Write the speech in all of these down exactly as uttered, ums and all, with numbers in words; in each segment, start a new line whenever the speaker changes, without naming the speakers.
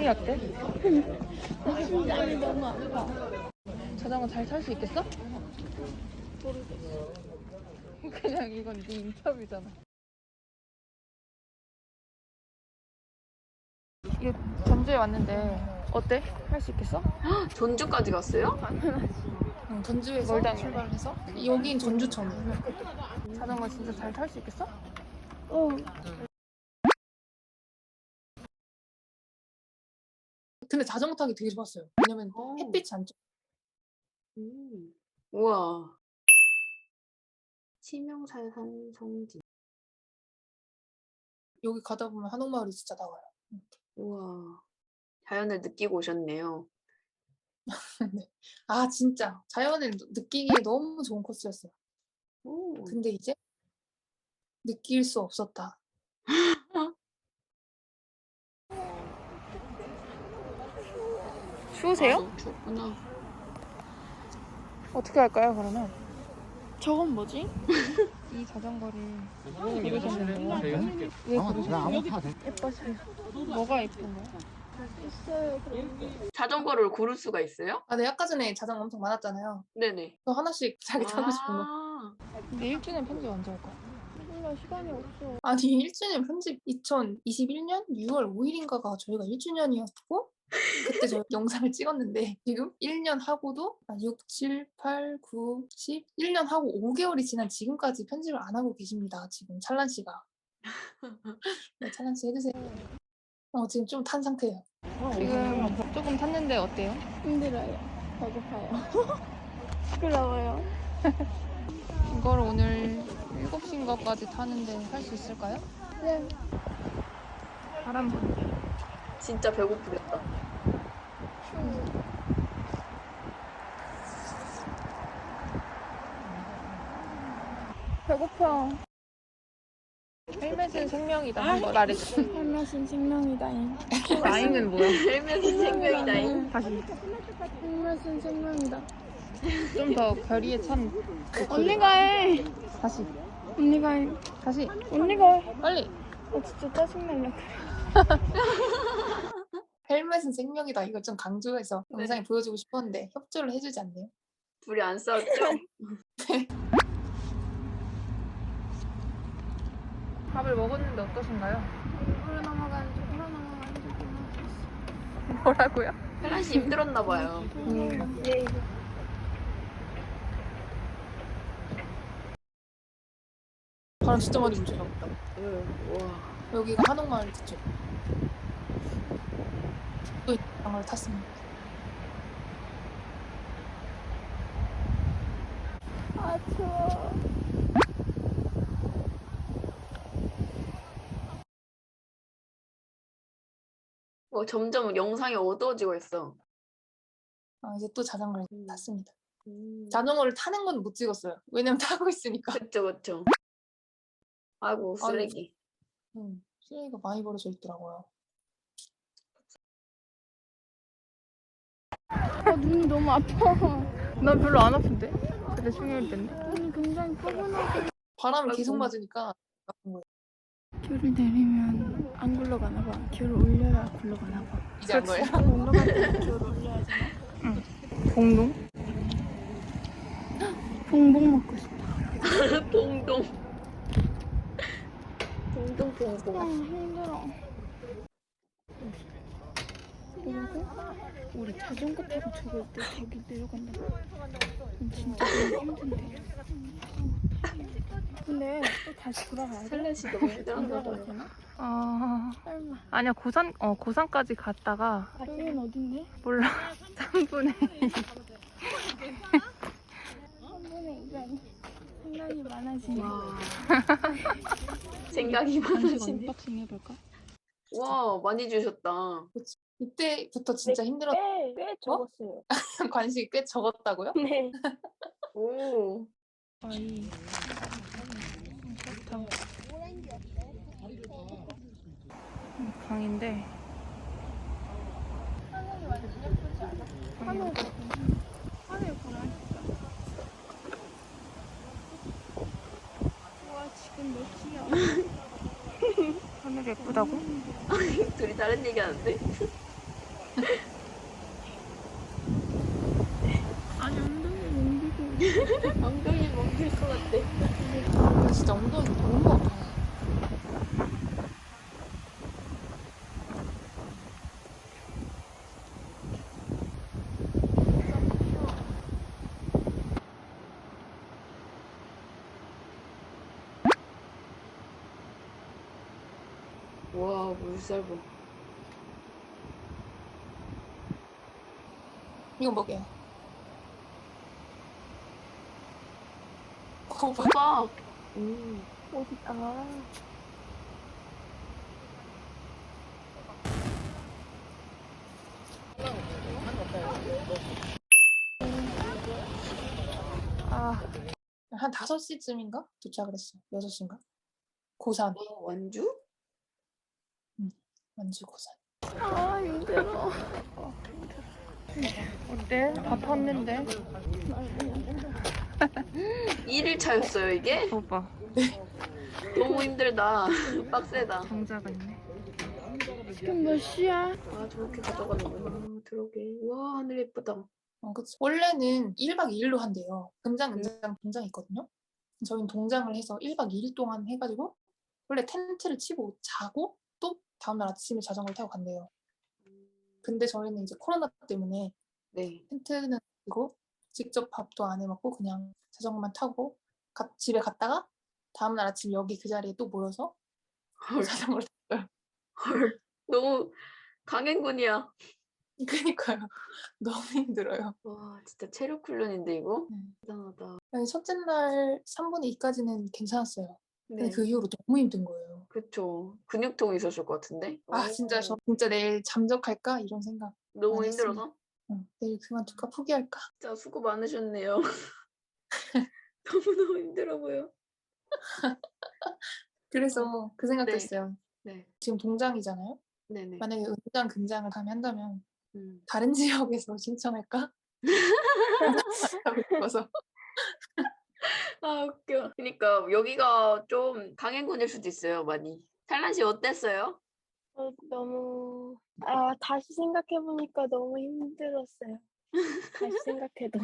심장이 어때?
심장이 너무 아파.
자전거 잘 탈 수 있겠어?
모르겠어.
그냥 이건 네 인터뷰잖아. 이게 전주에 왔는데 어때? 할 수 있겠어?
전주까지 갔어요?
응, 전주에서 출발해서 여긴 전주천이야. 자전거 진짜 잘 탈 수 있겠어?
어.
근데 자전거 타기 되게 좋았어요. 왜냐면
어.
햇빛이 안 쬐.
음. 우와. 치명살산 성지.
여기 가다 보면 한옥마을이 진짜 나와요.
우와. 자연을 느끼고 오셨네요.
네. 아 진짜 자연을 느끼기에 너무 좋은 코스였어요.
오.
근데 이제 느낄 수 없었다. 추우세요?
아, 너무 추웠구나.
어떻게 할까요 그러면?
저건 뭐지?
이 자전거를 고르셨는데 왜 고르셨어요?
예뻐서요.
뭐가 예쁜 거야?
있어요. 그런데.
자전거를 고를 수가 있어요?
아, 네 아까 전에 자전거 엄청 많았잖아요.
네네.
또 하나씩 자기 타고 싶은 거.
아.
근데 일 주년 편집 언제 할 거야?
몰라, 시간이 없어.
아니 일 주년 편집 이천이십일 년 유월 오일인가가 저희가 일 주년이었고 그때 저희 영상을 찍었는데 지금 일 년 하고도 육, 칠, 팔, 구, 십 일 년 하고 오 개월이 지난 지금까지 편집을 안 하고 계십니다. 지금 찰란 씨가. 네, 찰란 씨 해주세요. 어 지금 좀 탄 상태예요. 지금 조금 탔는데 어때요?
힘들어요. 배고파요. 부끄러워요.
이걸 오늘 일곱 시인가까지 타는데 할 수 있을까요?
네.
바람 부네.
진짜 배고프겠다.
배고파.
헬멧은 생명이다. 한번 말해줘.
헬멧은 생명이다잉.
아잉은 뭐야?
헬멧은 생명이다잉.
다시
헬멧은 생명이다.
좀 더 결의에 찬
언니가 해.
다시
언니가 해.
다시
언니가 해.
빨리.
아, 진짜 짜증날라.
헬멧은 생명이다. 이걸 좀 강조해서
네.
영상에 보여주고 싶었는데 협조를 해주지 않네요.
둘이 안 싸웠죠?
밥을 먹었는데 어떠신가요?
물어 넘어가는 중, 물어 넘어가는 중.
뭐라고요?
혜란 씨 힘들었나 봐요.
음.
네.
바람 진짜 많이 불죠.
응. 우와.
여기가 한옥마을 뒤쪽. 또 이걸 탔습니다.
아, 추워.
어, 점점 영상이 어두워지고 있어.
아, 이제 또 자전거를
음.
탔습니다.
음.
자전거를 타는 건 못 찍었어요. 왜냐면 타고 있으니까.
그쵸, 그쵸. 아이고,
아유.
쓰레기.
음, 쓰레기가 많이 벌어져 있더라고요.
아, 눈이 너무 아파.
난 별로 안 아픈데? 근데 중요할 텐데.
눈이 굉장히 포근하게.
바람을
아이고.
계속 맞으니까 아픈 거예요.
귤을 내리면 안 굴러가나 봐. 귤을 올려야 굴러가나 봐.
이제 안 거예요?
올라갈 때 귤을 올려야 되나?
공동?
봉봉 먹고 싶어.
봉동. 봉동,
아,
봉동.
힘들어. 그리고 우리 자전거 타고 저기 또 저기 내려간다고. 진짜 너무 힘든데. 근데 또 다시 돌아가야 돼?
혜란 씨 너무
안
힘들었나
돌아가야
봐요.
되나?
아,
설마.
아니야 고산 어 고산까지 갔다가
여긴 어딘데?
몰라 삼분의 이.
한 번에 이런 생각이 많아지네.
와. 생각이
잠시만
많으시네.
언박싱 해볼까?
와, 많이 주셨다.
이때부터 진짜 힘들었.
꽤, 꽤 적었어요.
관심이 꽤 적었다고요?
네.
오.
아이 좋다. 강인데
하늘이 완전 예쁘지 않아? 하늘 하늘 보라 진짜. 와 지금 몇 시야?
하늘 예쁘다고?
둘이 다른 얘기 하는데? 엉덩이 멍들 것 같아.
근데 진짜 엉덩이 너무 아파요.
와, 물살보.
이거 뭐게요? 고봐.
오빠. 음.
어디 아
아, 한 다섯 시쯤인가 도착을 했어요. 여섯 시인가? 고산.
어, 완주?
완주 고산.
아 힘들어. 어때? 다 탔는데?
일 일 차였어요, 이게?
봐봐.
너무 힘들다. 빡세다.
정자가 있네. 지금 몇 시야?
아, 저렇게 가져가는구나. 들어오게. 와, 하늘 예쁘다.
어, 그치. 원래는 일 박 이 일로 한대요. 금장, 은장, 동장이 있거든요. 저희는 동장을 해서 일 박 이 일 동안 해가지고 원래 텐트를 치고 자고 또 다음날 아침에 자전거를 타고 간대요. 근데 저희는 이제 코로나 때문에
네.
텐트는 치고 직접 밥도 안 해먹고 그냥 자전거만 타고 가- 집에 갔다가 다음날 아침 여기 그 자리에 또 모여서 또
헐,
자전거를 탔어요.
헐. 너무 강행군이야.
그니까요. 너무 힘들어요.
와, 진짜 체력 훈련인데, 이거?
네.
대단하다.
아니, 첫째 날 삼분의 이까지는 괜찮았어요. 근데
네.
그 이후로 너무 힘든 거예요.
그쵸. 근육통 있었을 것 같은데?
아,
오,
진짜 저 진짜 내일 잠적할까? 이런 생각
너무
많이
힘들어서?
응, 내일 그만둘까? 포기할까?
진짜 수고 많으셨네요. 너무너무 힘들어 보여.
그래서 그 생각도
네.
했어요.
네.
지금 동장이잖아요.
네네.
만약에 은장, 금장을 가면 한다면
음.
다른 지역에서 신청할까? 하고 싶어서.
아, 웃겨. 그러니까 여기가 좀 강행군일 수도 있어요, 많이. 탈란 씨 어땠어요?
어, 너무 아 다시 생각해 보니까 너무 힘들었어요. 다시 생각해도.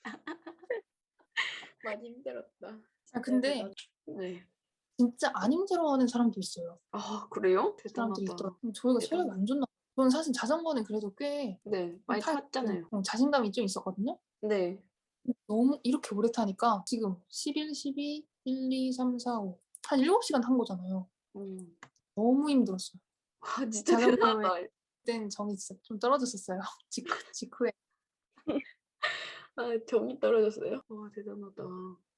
많이 힘들었다.
아,
진짜
근데
대단- 네.
진짜 안 힘들어하는 사람도 있어요.
아, 그래요?
사람들이
대단하다.
있더라고요. 저희가 체력이
대단하다.
안 좋나 봐요. 저는 사실 자전거는 그래도 꽤
네, 많이
탈,
탔잖아요.
좀 자신감이 좀 있었거든요.
네.
너무 이렇게 오래 타니까 지금 십일, 십이, 일, 이, 삼, 사, 오 한 일곱 시간 탄 거잖아요.
음.
너무 힘들었어요.
와, 진짜
자전거에
대단하다.
그땐 정이 진짜 좀 떨어졌었어요. 직후, 직후에.
아, 정이 떨어졌어요. 와, 대단하다.